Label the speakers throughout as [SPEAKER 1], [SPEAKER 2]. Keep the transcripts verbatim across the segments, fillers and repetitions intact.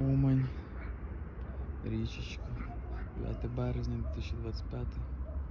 [SPEAKER 1] Умань, річечка, дев'яте березня дві тисячі двадцять п'ятий.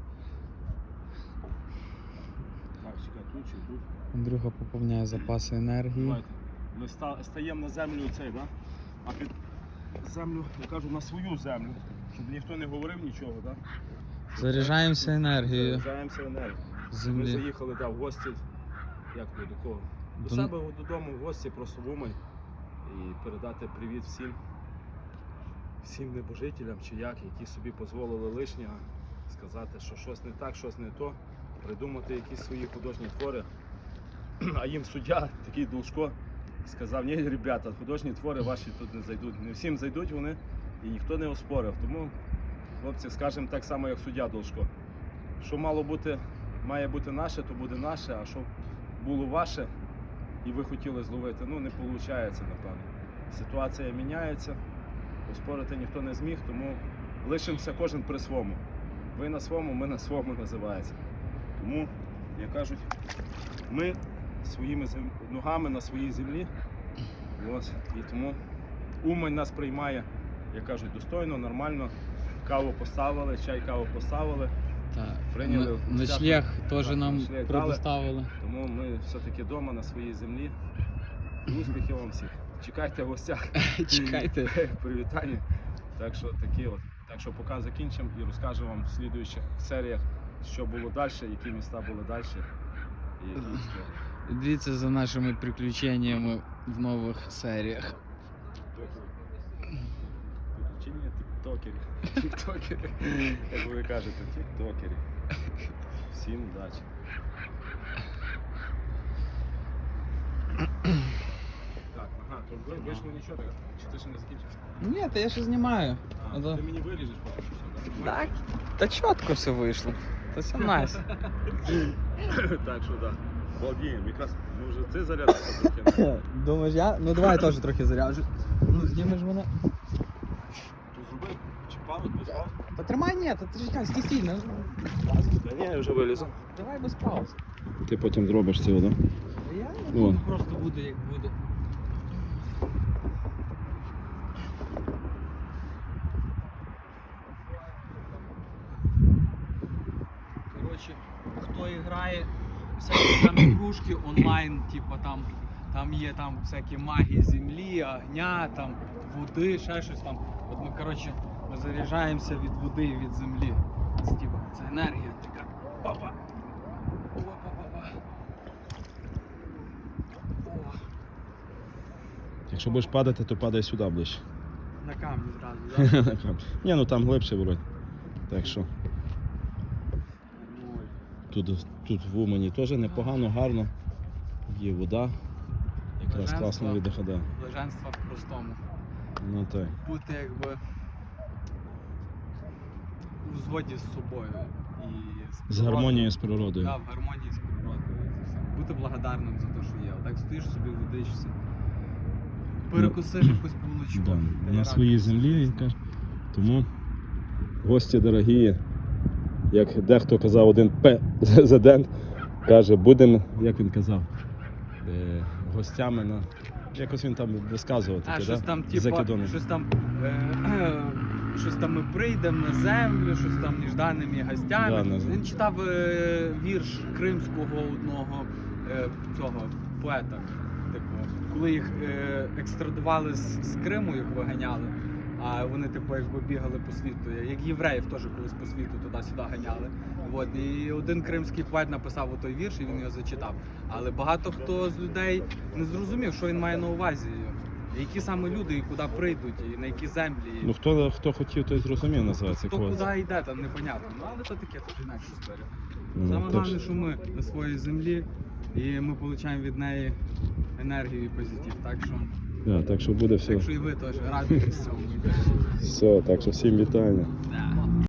[SPEAKER 2] Так, чекай, тут чи тут?
[SPEAKER 1] Андрюха поповняє запаси енергії.
[SPEAKER 2] Давайте. Ми ста- стаємо на землю цей, да? А під землю, я кажу, на свою землю, щоб ніхто не говорив нічого, да?
[SPEAKER 1] Заряджаємося енергією
[SPEAKER 2] Заряджаємося енергією.
[SPEAKER 1] з
[SPEAKER 2] Ми
[SPEAKER 1] землі.
[SPEAKER 2] заїхали да, в гості, як ми до кого? До
[SPEAKER 1] До-
[SPEAKER 2] себе додому в гості, просто в Умань. І передати привіт всім, всім небожителям чи як, які собі дозволили лишнього сказати, що щось не так, щось не то, придумати якісь свої художні твори. А їм суддя, такий Должко, сказав: ні, ребята, художні твори ваші тут не зайдуть. Не всім зайдуть вони і ніхто не оспорив. Тому, хлопці, скажемо так само, як суддя Должко. Що мало бути, має бути наше, то буде наше, а що було ваше і ви хотіли зловити, ну не виходить, напевно. Ситуація міняється, оспорити ніхто не зміг, тому лишимося кожен при своєму. Ви на своєму, ми на своєму, називається. Тому, як кажуть, ми своїми зем... ногами на своїй землі. Ось. І тому Умань нас приймає, як кажуть, достойно, нормально. Каву поставили, чай, каву поставили.
[SPEAKER 1] Так.
[SPEAKER 2] Прийняли
[SPEAKER 1] Н-
[SPEAKER 2] в гостях.
[SPEAKER 1] Ночлег теж
[SPEAKER 2] Так,
[SPEAKER 1] нам
[SPEAKER 2] ночлег дали.
[SPEAKER 1] предоставили.
[SPEAKER 2] Тому ми все-таки вдома на своїй землі. І успіхів вам всіх. Чекайте в гостях.
[SPEAKER 1] Чекайте.
[SPEAKER 2] Привітання. Так що такі от. Так що поки закінчимо і розкажемо вам в слідуючих серіях, що було далі, які міста були далі і які історії.
[SPEAKER 1] Дивіться за нашими приключеннями в нових серіях.
[SPEAKER 2] Приключення тіктокерів. Тіктокери. Як ви кажете, тіктокери. Всім удачі. Так, ага, то ви- вийшло нічого так? Чи ти ще не закінчив?
[SPEAKER 1] Ні, та я ще знімаю.
[SPEAKER 2] А,
[SPEAKER 1] А то-
[SPEAKER 2] ти мені виріжеш поки що все, так?
[SPEAKER 1] Так, та чітко все вийшло. Та все найс.
[SPEAKER 2] Так що так. Володіємо, якраз ми вже ти зарядився трохи.
[SPEAKER 1] Думаєш, я? Ну давай теж трохи заряджу. Ну знімеш мене.
[SPEAKER 2] То зроби, чи паузу, без пауз?
[SPEAKER 1] Та тримай, ні, та ти чекай, стій, стій. Ну,
[SPEAKER 2] Та ні, я вже вилізу.
[SPEAKER 1] давай без пауз.
[SPEAKER 2] Ти потім зробиш цього, так?
[SPEAKER 1] Я
[SPEAKER 2] О.
[SPEAKER 1] просто буде як буде. Коротше, хто грає всякі там ігрушки онлайн, типу там, там є там всякі магії землі, огня, там, води, ще щось там. От ми, коротше, ми заряджаємося від води і від землі. Це, типу, це енергія така. Опа! Опа-па-па. О,
[SPEAKER 2] Якщо будеш падати, то падай сюди ближче.
[SPEAKER 1] на камні зразу, так?
[SPEAKER 2] Ні, ну там глибше вроді. Так що тут, тут в Умані теж непогано, гарно. Є вода. Якраз
[SPEAKER 1] Блаженство.
[SPEAKER 2] класно віддихає.
[SPEAKER 1] Блаженство в простому.
[SPEAKER 2] Ну так.
[SPEAKER 1] Бути якби у згоді з собою і
[SPEAKER 2] З гармонією з природою.
[SPEAKER 1] Так, в гармонії з природою. Це все. Бути благодарним за те, що є. Отак стоїш собі, водичся, перекусиш якусь булочку.
[SPEAKER 2] Да,
[SPEAKER 1] та й
[SPEAKER 2] на своїй
[SPEAKER 1] радуєшся
[SPEAKER 2] землі.
[SPEAKER 1] життю.
[SPEAKER 2] каже. Тому гості дорогі, як дехто казав, один президент каже, будемо, як він казав, е, гостями на. Якось він там висказував
[SPEAKER 1] А
[SPEAKER 2] таке,
[SPEAKER 1] щось
[SPEAKER 2] да?
[SPEAKER 1] там,
[SPEAKER 2] З
[SPEAKER 1] типа,
[SPEAKER 2] закидоном.
[SPEAKER 1] щось там, е, щось там ми прийдемо на землю, щось там нежданними гостями.
[SPEAKER 2] Да, на землю.
[SPEAKER 1] Він читав е, вірш кримського одного е, цього поета. Типу, коли їх е, екстрадували з, з Криму, їх виганяли, а вони типу якби бігали по світу, як євреїв теж колись по світу туди-сюди ганяли. От, і один кримський поет написав той вірш, і він його зачитав. Але багато хто з людей не зрозумів, що він має на увазі. Які саме люди і куди прийдуть, і на які землі.
[SPEAKER 2] Ну хто, хто хотів, той зрозумів, називається.
[SPEAKER 1] Хто
[SPEAKER 2] когось.
[SPEAKER 1] куди йде, там непонятно. Ну але це таке, це інакша історія.
[SPEAKER 2] Ну,
[SPEAKER 1] Саме
[SPEAKER 2] так
[SPEAKER 1] головне,
[SPEAKER 2] що-
[SPEAKER 1] що ми на своїй землі, і ми отримуємо від неї енергію і позитив. Так що,
[SPEAKER 2] Да, так що буде все.
[SPEAKER 1] так що і ви теж радуйтесь цьому.
[SPEAKER 2] Все, так що всім вітання.
[SPEAKER 1] Да.